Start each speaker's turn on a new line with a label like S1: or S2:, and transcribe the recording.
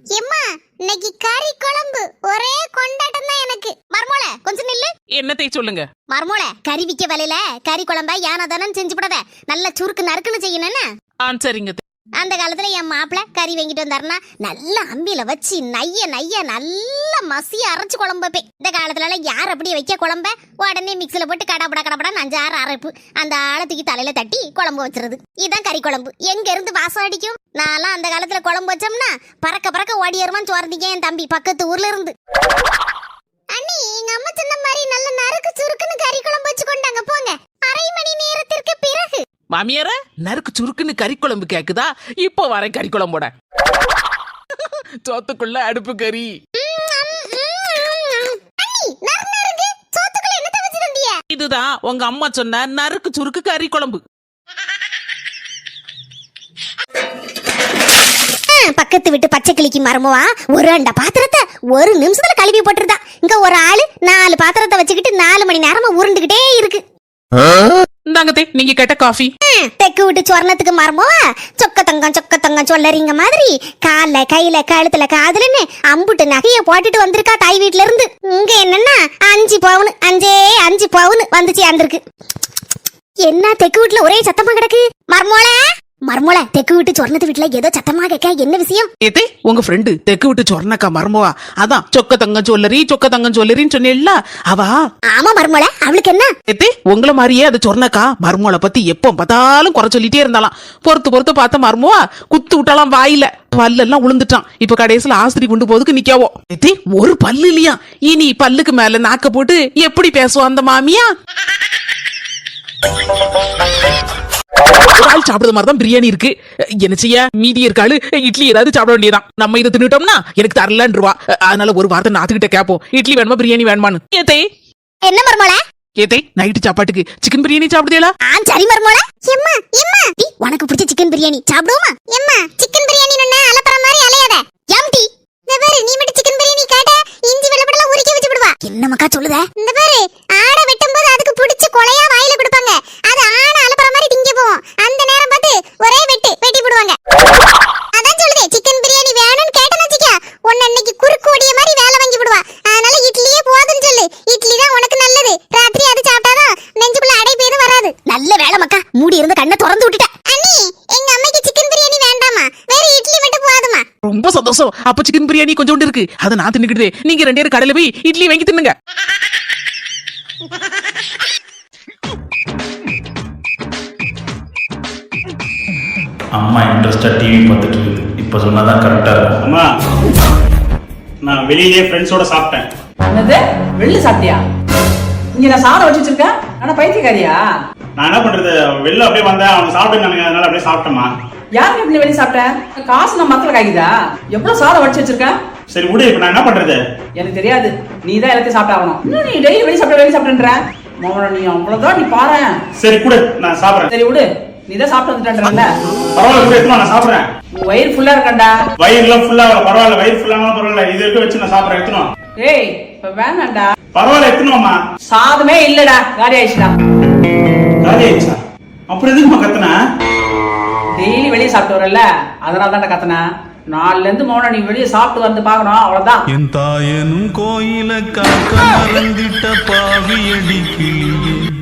S1: எம்மா இன்னைக்கு கறி குழம்பு ஒரே கொண்டாட்டம் தான் எனக்கு. மர்மோள கொஞ்சம் நில்லு.
S2: என்னத்தை சொல்லுங்க.
S1: மர்மோள கறி விக்க வேலையில கறி குழம்பா யானதானு செஞ்சு போடாத, நல்ல சுருக்கு நறுக்குன்னு செய்யணும்னு.
S2: சரிங்க.
S1: அந்த காலத்துல என் மாப்பிள்ள கறி வாங்கிட்டு வந்தாருன்னா நல்லா அம்பியில வச்சு நைய நைய நல்லா மசிய அரைச்சு குழம்பு வைப்பேன். இந்த காலத்துல யார் அப்படி வைக்க குழம்ப உடனே மிக்சில போட்டு கடப்படா கடப்படா 5-6 அரைப்பு அந்த ஆழத்துக்கு தலையில தட்டி குழம்பு வச்சிருது. இதுதான் கறி குழம்பு. எங்க இருந்து வாசம் அடிக்கும். நான்லாம் அந்த காலத்துல குழம்பு வச்சோம்னா பறக்க பறக்க ஓடி வருமான்னு சோர்ந்தீங்க என் தம்பி பக்கத்து ஊர்ல இருந்து. அண்ணி எங்க அம்மா சொன்ன மாதிரி நல்ல நறுக்கு சுருக்குன்னு கறி குழம்பு வச்சு கொண்டாங்க போங்க. அரை மணி நேரத்திற்கு பிறகு
S2: மாமியார நறுக்கு சுருக்குன்னு கறி குழம்பு கேக்குதா? இப்போ வரேன் கறி குழம்போட. சோத்துக்குள்ள அடுப்பு கறி. இதுதான் உங்க அம்மா சொன்ன நறுக்கு சுருக்கு கறி குழம்பு.
S1: பக்கத்து விட்டு பச்சை கிளிக்கு மரமுவா ஒரு அண்ட பாத்திரத்தை ஒரு நிமிஷத்துல கழுவி போட்டுருதா. இங்க ஒரு ஆளு 4 பாத்திரத்தை வச்சுக்கிட்டு 4 மணி நேரமா உருண்டுகிட்டே இருக்கு.
S2: இந்தாங்கத்தே நீங்க கேட்ட காஃபி.
S1: தெக்கு விட்டு சொர்ணத்துக்கு மரமுவா சொக்க தங்கம் சொல்லறீங்க மாதிரி கால கையில கழுத்துல காதுலன்னு அம்புட்டு நகைய போட்டுட்டு வந்திருக்கா தாய் வீட்டுல இருந்து. இங்க என்னன்னா 5 பவுன் வந்துச்சு அந்திருக்கு. என்ன தெக்கு வீட்டுல ஒரே சத்தமா கிடக்கு? மர்மோள தெக்கு விட்டு சொர்ணத்து வீட்டுல ஏதோ சத்தமா கேட்க, என்ன விஷயம்?
S2: ஏதே உங்க ஃப்ரெண்டு தெக்கு விட்டு சொர்ணக்கா மர்மவா அதான் சொக்க தங்கம் சொல்லரின்னு சொன்னேல்ல அவா.
S1: ஆமா மர்மோள, அவளுக்கு என்ன?
S2: ஏதே உங்கள மாதிரியே அது சொர்ணக்கா மர்மோளை பத்தி எப்ப பார்த்தாலும் குறை சொல்லிட்டே இருந்தாலாம். பொறுத்து பார்த்த மர்மவா குத்து விட்டாலாம் வாயில பல்லெல்லாம் உளுந்துட்டான். இப்ப கடைசியில ஆஸ்திரி கொண்டு போதுக்கு நிக்காவோ. ஏதே ஒரு பல்லு இல்லையா? இனி பல்லுக்கு மேல நாக்க போட்டு எப்படி பேசுவோம் அந்த மாமியா? சாப்பிடுற மாதிரிதான் பிரியாணி இருக்கு. என்ன செய்ய, மீதி இருக்காளு இட்லி ஏதாவது சாப்பிட வேண்டியதான். நம்ம இதை தின்னுட்டோம்னா எனக்கு தரலன்னு ரூபா. அதனால ஒரு வார்த்தை நாத்துக்கிட்ட கேப்போம், இட்லி வேணுமா பிரியாணி வேணுமான்னு. ஏதே
S1: என்ன மர்மோள?
S2: ஏதே நைட்டு சாப்பாட்டுக்கு சிக்கன் பிரியாணி சாப்பிடுதேளா?
S1: சரி மர்மோள. எம்மா உனக்கு பிடிச்ச சிக்கன் பிரியாணி சாப்பிடுவோமா? எம்மா சிக்கன் பிரியாணி நன்னா அலப்பற மாதிரி அலையாத. எம்டி இந்த பாரு, நீ மட்டும் சிக்கன் பிரியாணி கேட்ட இஞ்சி வெள்ளப்படலாம் உரிக்க வச்சு விடுவா. என்ன மக்கா சொல்லுத? இந்த பாரு, ஆட வெட்டும்போது அதுக்கு பிடிச்ச கொலையா வாயில கொடுப்பாங்க. அது ஆன அலப்பற மாதிரி திங்க போவோம். அந்த நேரம் பார்த்து ஒரே வெட்டி விடுவாங்க. அதான் சொல்லுதே, சிக்கன் பிரியாணி வேணும்னு கேட்டேன்னு வச்சுக்க உன்னை இன்னைக்கு குறுக்கு ஓடிய மாதிரி வேலை வாங்கி விடுவா. அதனால இட்லியே போதுன்னு சொல்லு. இட்லி தான் உனக்கு நல்லது. ராத்திரி அது சாப்பிட்டாதான் நெஞ்சுக்குள்ள அடைப்பு எதுவும் வராது. நல்ல வேலை மக்கா, மூடி இருந்து கண்ணை திறந்து விட்டுட்ட. அண்ணி எங்க அம்மைக்கு சிக்கன் பிரியாணி வேண்டாமா, வேற இட்லி மட்டும் போதுமா?
S2: ரொம்ப சந்தோஷம். அப்ப சிக்கன் பிரியாணி கொஞ்சோண்டு இருக்கு, அதை நான் தின்னுக்கிட்டே. நீங்க 2 பேரும் கடையில போய் இட்லி வாங்கி தின்னுங்க.
S3: அம்மா இன்ட்ரெஸ்டா டிவி பார்த்துட்டு இருக்கு. இப்ப சொன்னாதான் கரெக்டா இருக்கும்.
S4: அம்மா நான் வெளியிலே ஃப்ரெண்ட்ஸோட சாப்பிட்டேன்.
S5: என்னது வெளில சாப்பிட்டியா? இங்க நான் சாப்பிட வச்சு வச்சிருக்கேன். ஆனா பைத்தியக்காரியா?
S4: நான் என்ன பண்றது, வெளில அப்படியே வந்தேன், அவங்க சாப்பிட்டுருந்தானுங்க, அதனால அப்படியே சாப்பிட்டேம்மா.
S5: யாருக்கு எப்படி வெளியே சாப்பிட்டேன்? காசு நான் மக்களுக்கு ஆகிதா? எவ்வளவு சாதம் வச்சு வச்சிருக்கேன்.
S4: சரி விடு, இப்ப நான் என்ன பண்றது?
S5: எனக்கு தெரியாது, நீ தான் எல்லாத்தையும் சாப்பிட்டாகணும். இன்னும் நீ டெய்லி வெளியே சாப்பிட்ற நீ அவ்வளவுதான். நீ பாரு.
S4: சரி கொடு, நான் சாப்பிடுறேன்.
S5: சரி விடு, நீ தான் சாப்பிட்டு வந்துட்டேன்றல.
S4: பரவாயில்ல கொடு, எடுத்து நான் சாப்பிடுறேன்.
S5: உன் வயிறு ஃபுல்லா இருக்கண்டா.
S4: வயிறுலாம் ஃபுல்லா பரவாயில்ல, வயிறு ஃபுல்லானாலும் பரவாயில்ல, இது இருக்க வச்சு நான் சாப்பிடுறேன். எடுத்துனோம்.
S5: ஏய் இப்ப வேணாண்டா.
S4: பரவாயில்ல எடுத்துனோம்மா.
S5: சாதமே இல்லடா, காலி ஆயிடுச்சுடா.
S4: காலி ஆயிடுச்சா? அப்புறம் எதுக்குமா கத்துனா?
S5: டெய்லி வெளியே சாப்பிட்டு வரல, அதனால தான் கத்துனா. 4ல இருந்து 3 நீ வெளியே சாப்பிட்டு வந்து பாக்கணும், அவ்வளவுதான்.
S6: என் தாயனும் கோயில காக்க மறந்திட்ட பாவியடி கிளியே.